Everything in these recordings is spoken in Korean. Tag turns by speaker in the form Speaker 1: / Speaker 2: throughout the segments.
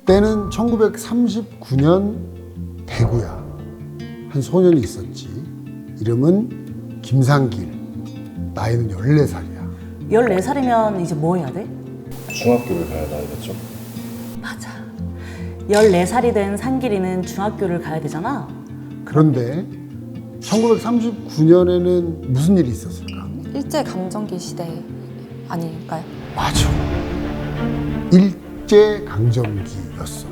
Speaker 1: 때는 1939년 대구야. 한 소년이 있었지. 이름은 김상길. 나이는 14살이야.
Speaker 2: 14살이면 이제 뭐 해야 돼?
Speaker 3: 중학교를 가야 나이겠죠?
Speaker 2: 맞아. 14살이 된 상길이는 중학교를 가야 되잖아.
Speaker 1: 그런데 1939년에는 무슨 일이 있었을까?
Speaker 4: 일제강점기 시대 아닐까요?
Speaker 1: 맞아. 일제강점기였어.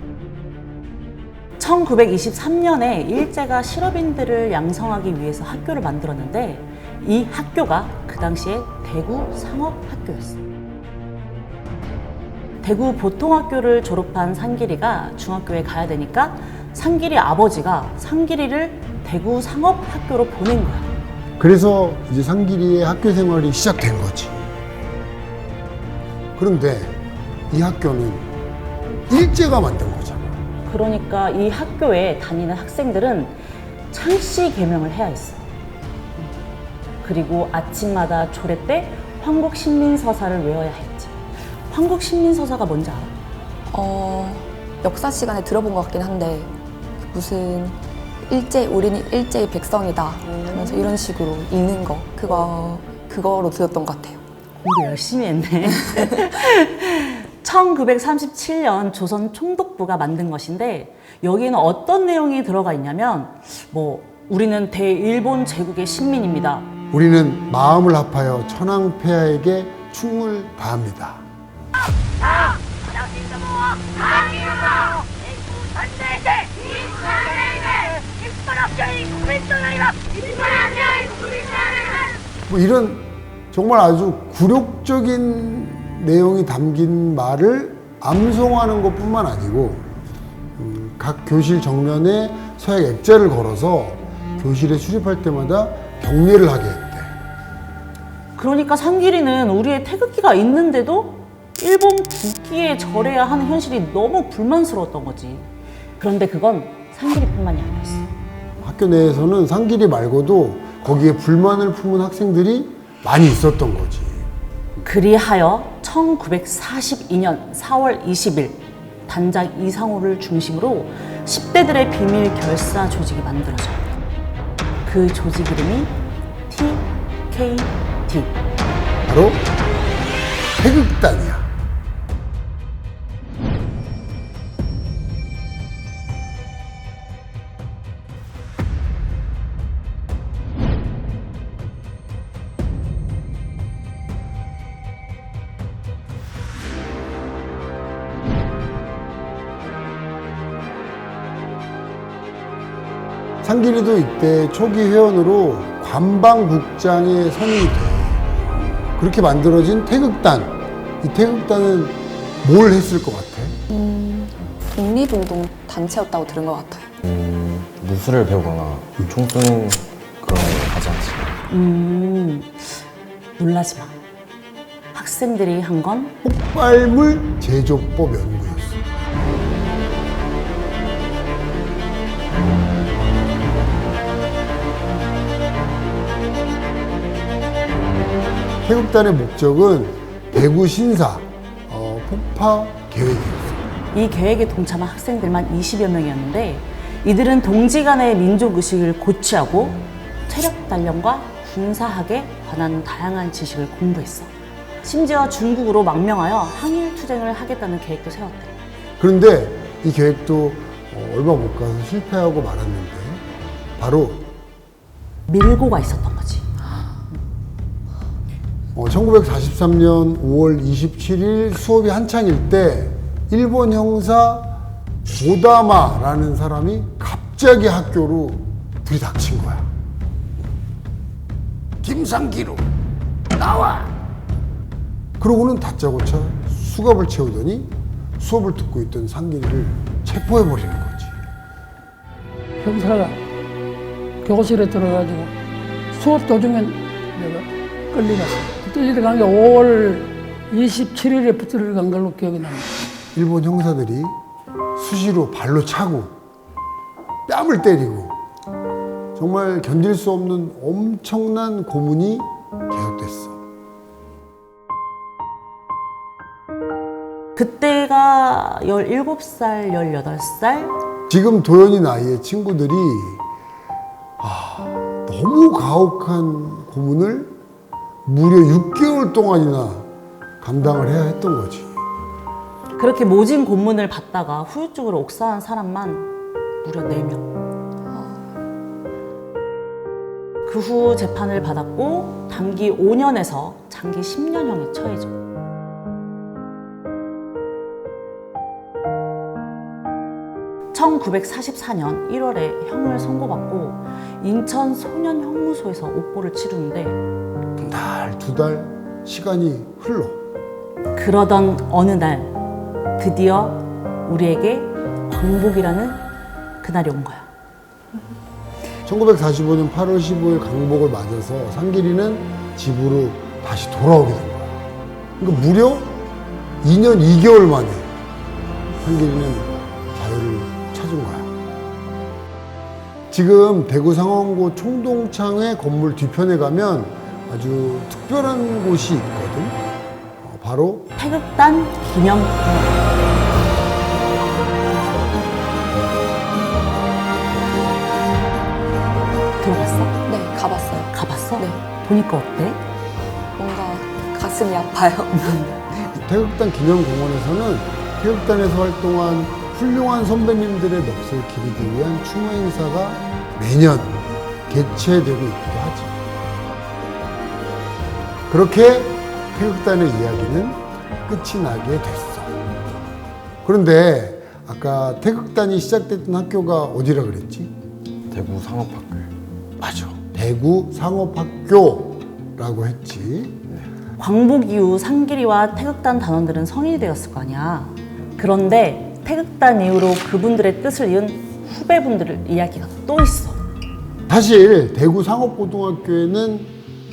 Speaker 2: 1923년에 일제가 실업인들을 양성하기 위해서 학교를 만들었는데 이 학교가 그 당시에 대구 상업학교였어. 대구 보통학교를 졸업한 상길이가 중학교에 가야 되니까 상길이 아버지가 상길이를 대구 상업학교로 보낸 거야.
Speaker 1: 그래서 이제 상길이의 학교 생활이 시작된 거지. 그런데 이 학교는 일제가 만든 거잖아.
Speaker 2: 그러니까 이 학교에 다니는 학생들은 창씨 개명을 해야 했어. 그리고 아침마다 조례 때 황국신민서사를 외워야 했지. 황국신민서사가 뭔지 알아?
Speaker 4: 역사 시간에 들어본 것 같긴 한데 무슨 우리는 일제의 백성이다 하면서 이런 식으로 읽는 거 그거로 들었던 것 같아요.
Speaker 2: 공부 열심히 했네. 1937년 조선 총독부가 만든 것인데 여기에는 어떤 내용이 들어가 있냐면 우리는 대일본 제국의 신민입니다.
Speaker 1: 우리는 마음을 합하여 천황폐하에게 충을 다합니다. 이런 정말 아주 굴욕적인 내용이 담긴 말을 암송하는 것뿐만 아니고 각 교실 정면에 서약 액자를 걸어서 교실에 출입할 때마다 경례를 하게 했대.
Speaker 2: 그러니까 상길이는 우리의 태극기가 있는데도 일본 국기에 절해야 하는 현실이 너무 불만스러웠던 거지. 그런데 그건 상길이뿐만이 아니었어.
Speaker 1: 학교 내에서는 상길이 말고도 거기에 불만을 품은 학생들이 많이 있었던 거지.
Speaker 2: 그리하여 1942년 4월 20일 단장 이상호를 중심으로 10대들의 비밀 결사 조직이 만들어져. 그 조직 이름이 TKT.
Speaker 1: 바로 태극단이야. 상길이도 이때 초기 회원으로 관방국장에 선임이 돼. 그렇게 만들어진 태극단. 이 태극단은 뭘 했을 것 같아?
Speaker 4: 독립운동 단체였다고 들은 것 같아요.
Speaker 3: 무술을 배우거나 총 쏘는 그런 걸 하지 않지.
Speaker 2: 놀라지 마. 학생들이 한 건
Speaker 1: 폭발물 제조법 연구였어. 태극단의 목적은 대구 신사 폭파 계획이었어.
Speaker 2: 이 계획에 동참한 학생들만 20여 명이었는데 이들은 동지 간의 민족의식을 고취하고 체력 단련과 군사학에 관한 다양한 지식을 공부했어. 심지어 중국으로 망명하여 항일투쟁을 하겠다는 계획도 세웠대.
Speaker 1: 그런데 이 계획도 얼마 못 가서 실패하고 말았는데 바로
Speaker 2: 밀고가 있었던 거지.
Speaker 1: 1943년 5월 27일 수업이 한창일 때 일본 형사 고다마라는 사람이 갑자기 학교로 불이 닥친 거야. 김상기로 나와! 그러고는 다짜고짜 수갑을 채우더니 수업을 듣고 있던 상길이를 체포해버리는 거지.
Speaker 5: 형사가 교실에 들어가지고 수업 도중에 내가 끌려갔어. 붙들려 간 게 5월 27일에 붙들려 간 걸로 기억이 납니다.
Speaker 1: 일본 형사들이 수시로 발로 차고 뺨을 때리고 정말 견딜 수 없는 엄청난 고문이 계속됐어.
Speaker 2: 그때가 17살, 18살?
Speaker 1: 지금 도연이 나이의 친구들이 너무 가혹한 고문을 무려 6개월 동안이나 감당을 해야 했던 거지.
Speaker 2: 그렇게 모진 고문을 받다가 후유증으로 옥사한 사람만 무려 4명. 그 후 재판을 받았고 단기 5년에서 장기 10년형에 처해져. (1944년 1월에) 형을 선고받고 인천 소년형무소에서 옥보를 치르는데
Speaker 1: 한 달, 2달 시간이 흘러.
Speaker 2: 그러던 어느 날 드디어 우리에게 광복이라는 그날이 온 거야.
Speaker 1: 1945년 8월 15일 광복을 맞아서 상길이는 집으로 다시 돌아오게 된 거야. 그러니까 무려 2년 2개월 만에 상길이는 자유를 찾은 거야. 지금 대구 상원고 총동창회 건물 뒤편에 가면 아주 특별한 곳이 있거든. 바로
Speaker 2: 태극단 기념공원. 들어봤어?
Speaker 4: 네, 가봤어요.
Speaker 2: 가봤어?
Speaker 4: 네.
Speaker 2: 보니까 어때?
Speaker 4: 뭔가 가슴이 아파요.
Speaker 1: 태극단 기념공원에서는 태극단에서 활동한 훌륭한 선배님들의 넋을 기리기 위한 추모 행사가 매년 개최되고 있기도 하지. 그렇게 태극단의 이야기는 끝이 나게 됐어. 그런데 아까 태극단이 시작됐던 학교가 어디라 그랬지?
Speaker 3: 대구 상업학교요.
Speaker 1: 맞아. 대구 상업학교라고 했지.
Speaker 2: 광복 이후 상길이와 태극단 단원들은 성인이 되었을 거 아니야. 그런데 태극단 이후로 그분들의 뜻을 이은 후배분들 이야기가 또 있어.
Speaker 1: 사실 대구 상업고등학교에는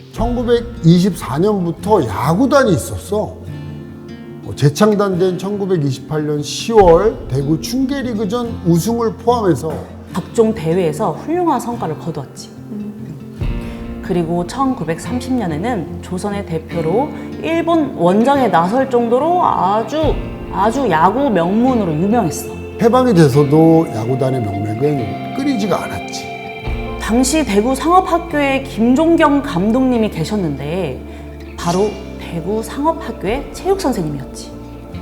Speaker 1: 1924년부터 야구단이 있었어. 재창단된 1928년 10월 대구 춘계리그전 우승을 포함해서
Speaker 2: 각종 대회에서 훌륭한 성과를 거두었지. 그리고 1930년에는 조선의 대표로 일본 원정에 나설 정도로 아주 야구 명문으로 유명했어.
Speaker 1: 해방이 돼서도 야구단의 명맥은 끊이지가 않았지.
Speaker 2: 당시 대구 상업학교에 김종경 감독님이 계셨는데 바로 대구 상업학교의 체육 선생님이었지.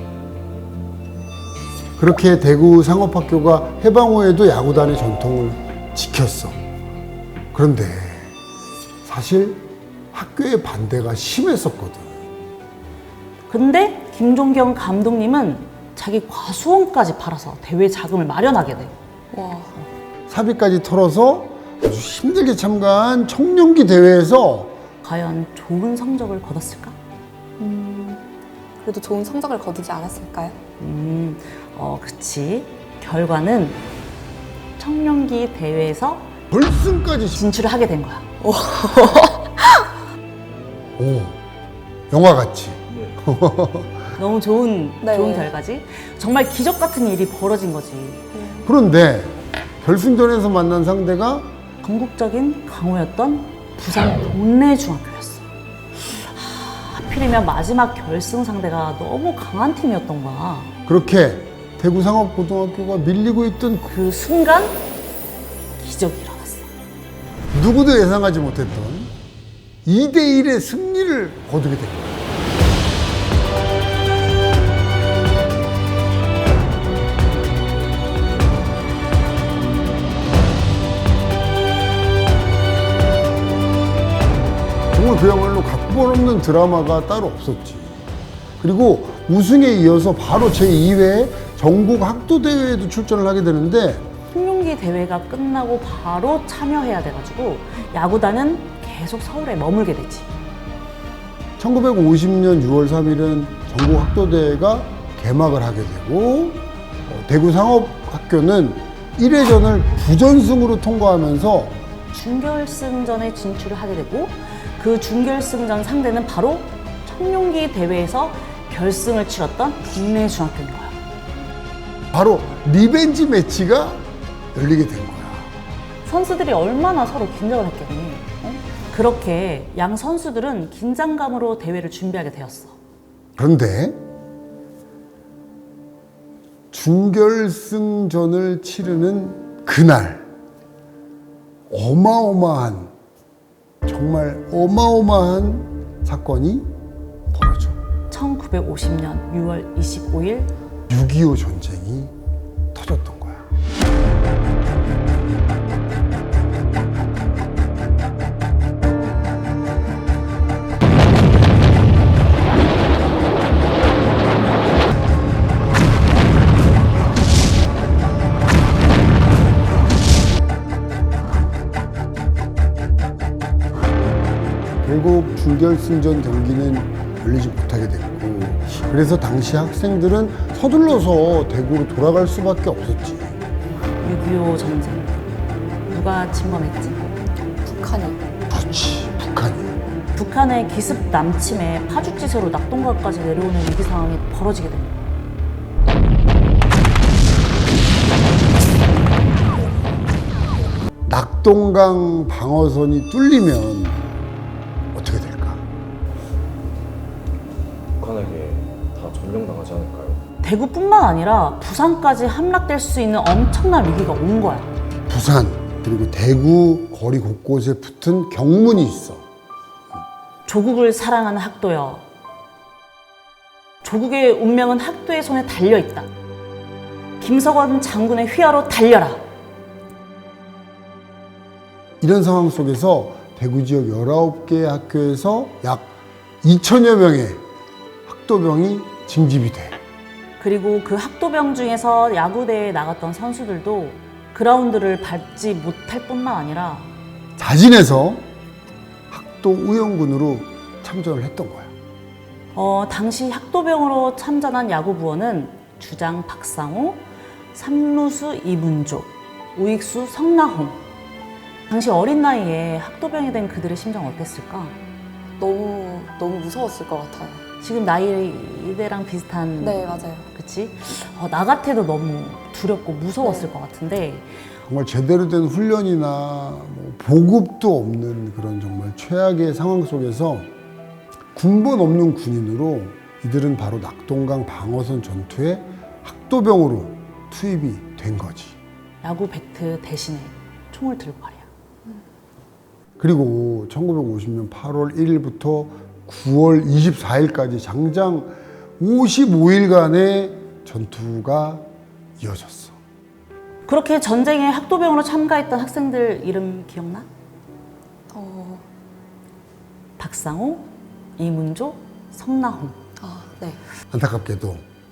Speaker 1: 그렇게 대구 상업학교가 해방 후에도 야구단의 전통을 지켰어. 그런데 사실 학교의 반대가 심했었거든.
Speaker 2: 근데 김종경 감독님은 자기 과수원까지 팔아서 대회 자금을 마련하게 돼.
Speaker 4: 와,
Speaker 1: 사비까지 털어서 아주 힘들게 참가한 청년기 대회에서
Speaker 2: 과연 좋은 성적을 거뒀을까?
Speaker 4: 그래도 좋은 성적을 거두지 않았을까요?
Speaker 2: 그치. 결과는 청년기 대회에서
Speaker 1: 결승까지
Speaker 2: 진출을 하게 된 거야.
Speaker 1: 오, 영화 같지.
Speaker 2: 너무 좋은
Speaker 4: 네.
Speaker 2: 결과지. 정말 기적 같은 일이 벌어진 거지.
Speaker 1: 그런데 결승전에서 만난 상대가
Speaker 2: 전국적인 강호였던 부산 동래 중학교였어. 하필이면 마지막 결승 상대가 너무 강한 팀이었던 거야.
Speaker 1: 그렇게 대구 상업고등학교가 밀리고 있던
Speaker 2: 그 순간 기적이 일어났어.
Speaker 1: 누구도 예상하지 못했던 2대1의 승리를 거두게 된 거야. 정말 그야말로 각본 없는 드라마가 따로 없었지. 그리고 우승에 이어서 바로 제2회 전국 학도대회에도 출전을 하게 되는데
Speaker 2: 청룡기 대회가 끝나고 바로 참여해야 돼가지고 야구단은 계속 서울에 머물게 되지.
Speaker 1: 1950년 6월 3일은 전국 학도대회가 개막을 하게 되고 대구 상업학교는 1회전을 부전승으로 통과하면서
Speaker 2: 준결승전에 진출을 하게 되고 그 준결승전 상대는 바로 청룡기 대회에서 결승을 치렀던 동래 중학교인 거야.
Speaker 1: 바로 리벤지 매치가 열리게 된 거야.
Speaker 2: 선수들이 얼마나 서로 긴장을 했겠니? 그렇게 양 선수들은 긴장감으로 대회를 준비하게 되었어.
Speaker 1: 그런데 준결승전을 치르는 그날 어마어마한, 정말 어마어마한 사건이 벌어져.
Speaker 2: 1950년 6월 25일
Speaker 1: 6.25 전쟁이 터졌던 거야. 결국 준결승전 경기는 열리지 못하게 됐고, 그래서 당시 학생들은 서둘러서 대구로 돌아갈 수밖에 없었지.
Speaker 2: 6.25 전쟁 누가 침범했지?
Speaker 4: 북한이.
Speaker 1: 그렇지, 북한이.
Speaker 2: 북한의 기습 남침에 파죽지세로 낙동강까지 내려오는 위기 상황이 벌어지게 됩니다.
Speaker 1: 낙동강 방어선이 뚫리면 어떻게 될까?
Speaker 3: 북한에게 다 점령당하지 않을까요?
Speaker 2: 대구뿐만 아니라 부산까지 함락될 수 있는 엄청난 위기가 온 거야.
Speaker 1: 부산 그리고 대구 거리 곳곳에 붙은 경문이 있어.
Speaker 2: 조국을 사랑하는 학도여. 조국의 운명은 학도의 손에 달려있다. 김석원 장군의 휘하로 달려라.
Speaker 1: 이런 상황 속에서 대구 지역 19개의 학교에서 약 2천여 명의 학도병이 징집이 돼.
Speaker 2: 그리고 그 학도병 중에서 야구대회에 나갔던 선수들도 그라운드를 밟지 못할 뿐만 아니라
Speaker 1: 자진해서 학도 의원군으로 참전을 했던 거야.
Speaker 2: 당시 학도병으로 참전한 야구부원은 주장 박상호, 삼루수 이문조, 우익수 성나홍. 당시 어린 나이에 학도병이 된 그들의 심정 어땠을까?
Speaker 4: 너무 무서웠을 것 같아요.
Speaker 2: 지금 나이대랑 비슷한.
Speaker 4: 네, 맞아요.
Speaker 2: 그치? 나 같아도 너무 두렵고 무서웠을 것 같은데
Speaker 1: 정말 제대로 된 훈련이나 뭐 보급도 없는 그런 정말 최악의 상황 속에서 군번 없는 군인으로 이들은 바로 낙동강 방어선 전투에 학도병으로 투입이 된 거지.
Speaker 2: 야구 배트 대신에 총을 들고 말이야.
Speaker 1: 그리고 1950년 8월 1일부터 9월 24일까지 장장 55일간의 전투가 이어졌어.
Speaker 2: 그렇게 전쟁에 학도병으로 참가했던 학생들 이름 기억나? 박상호, 이문조, 성나홍.
Speaker 4: 네.
Speaker 1: 안타깝게도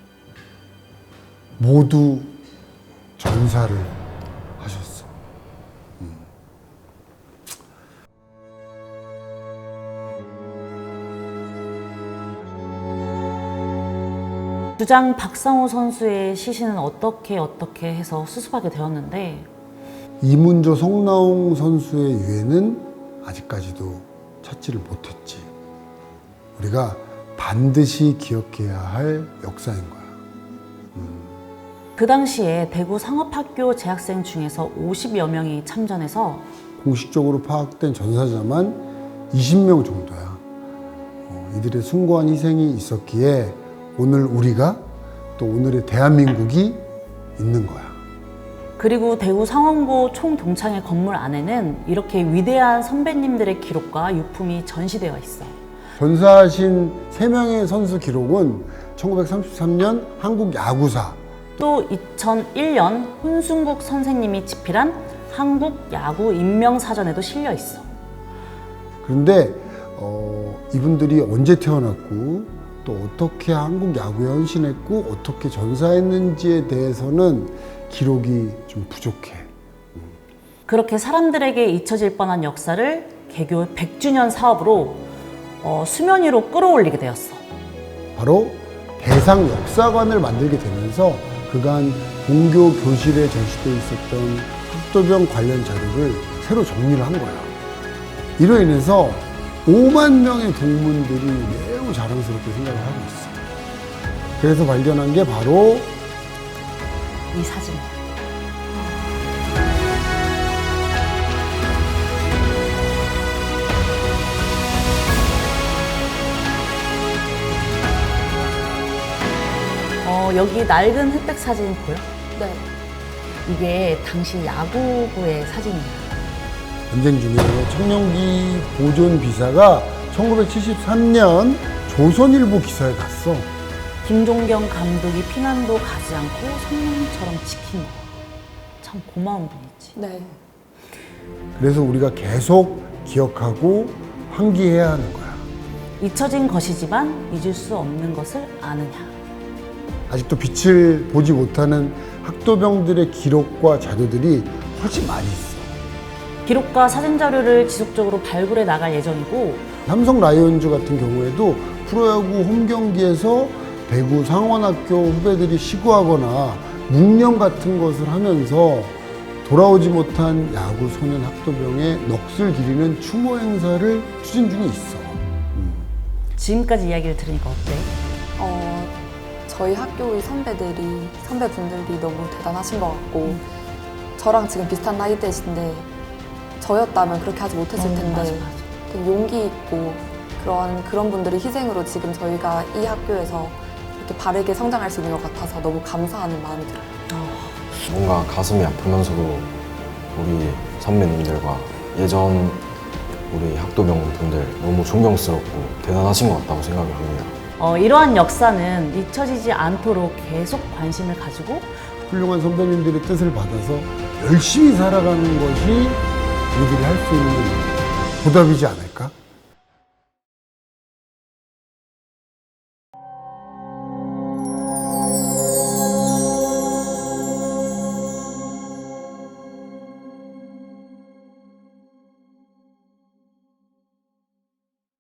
Speaker 1: 모두 전사를 하셨어.
Speaker 2: 주장 박상호 선수의 시신은 어떻게 해서 수습하게 되었는데
Speaker 1: 이문조 성나홍 선수의 유해는 아직까지도 찾지를 못했지. 우리가 반드시 기억해야 할 역사인 거야.
Speaker 2: 그 당시에 대구 상업학교 재학생 중에서 50여 명이 참전해서
Speaker 1: 공식적으로 파악된 전사자만 20명 정도야. 이들의 숭고한 희생이 있었기에 오늘 우리가 또 오늘의 대한민국이 있는 거야.
Speaker 2: 그리고 대구 상원고 총동창회 건물 안에는 이렇게 위대한 선배님들의 기록과 유품이 전시되어 있어.
Speaker 1: 전사하신 3명의 선수 기록은 1933년 한국 야구사,
Speaker 2: 또 2001년 혼순국 선생님이 집필한 한국 야구 인명사전에도 실려 있어.
Speaker 1: 그런데 이분들이 언제 태어났고 또 어떻게 한국 야구에 헌신했고 어떻게 전사했는지에 대해서는 기록이 좀 부족해.
Speaker 2: 그렇게 사람들에게 잊혀질 뻔한 역사를 개교 100주년 사업으로 수면 위로 끌어올리게 되었어.
Speaker 1: 바로 대상 역사관을 만들게 되면서 그간 공교 교실에 전시되어 있었던 학도병 관련 자료를 새로 정리를 한 거야. 이로 인해서 5만 명의 동문들이 매우 자랑스럽게 생각을 하고 있어. 그래서 발견한 게 바로
Speaker 2: 이 사진. 여기 낡은 흑백 사진 보여?
Speaker 4: 네.
Speaker 2: 이게 당시 야구부의 사진이야.
Speaker 1: 전쟁 중에 청룡기 보존 비사가 1973년 조선일보 기사에 갔어.
Speaker 2: 김종경 감독이 피난도 가지 않고 성령처럼 지킨 거. 참 고마운 분이지.
Speaker 4: 네.
Speaker 1: 그래서 우리가 계속 기억하고 환기해야 하는 거야.
Speaker 2: 잊혀진 것이지만 잊을 수 없는 것을 아느냐.
Speaker 1: 아직도 빛을 보지 못하는 학도병들의 기록과 자료들이 훨씬 많이 있어.
Speaker 2: 기록과 사진 자료를 지속적으로 발굴해 나갈 예정이고,
Speaker 1: 삼성 라이온즈 같은 경우에도 프로야구 홈경기에서 배구 상원학교 후배들이 시구하거나 묵념 같은 것을 하면서 돌아오지 못한 야구 소년 학도병의 넋을 기리는 추모 행사를 추진 중에 있어.
Speaker 2: 지금까지 이야기를 들으니까 어때?
Speaker 4: 저희 학교의 선배분들이 너무 대단하신 것 같고, 저랑 지금 비슷한 나이대신데, 저였다면 그렇게 하지 못했을 텐데,
Speaker 2: 맞아.
Speaker 4: 되게 용기 있고, 그런 분들의 희생으로 지금 저희가 이 학교에서 이렇게 바르게 성장할 수 있는 것 같아서 너무 감사하는 마음이 들어요.
Speaker 3: 뭔가 가슴이 아프면서도 우리 선배님들과 예전 우리 학도병분들 너무 존경스럽고 대단하신 것 같다고 생각을 합니다.
Speaker 2: 이러한 역사는 잊혀지지 않도록 계속 관심을 가지고
Speaker 1: 훌륭한 선배님들의 뜻을 받아서 열심히 살아가는 것이 우리들이 할 수 있는 보답이지 않을까?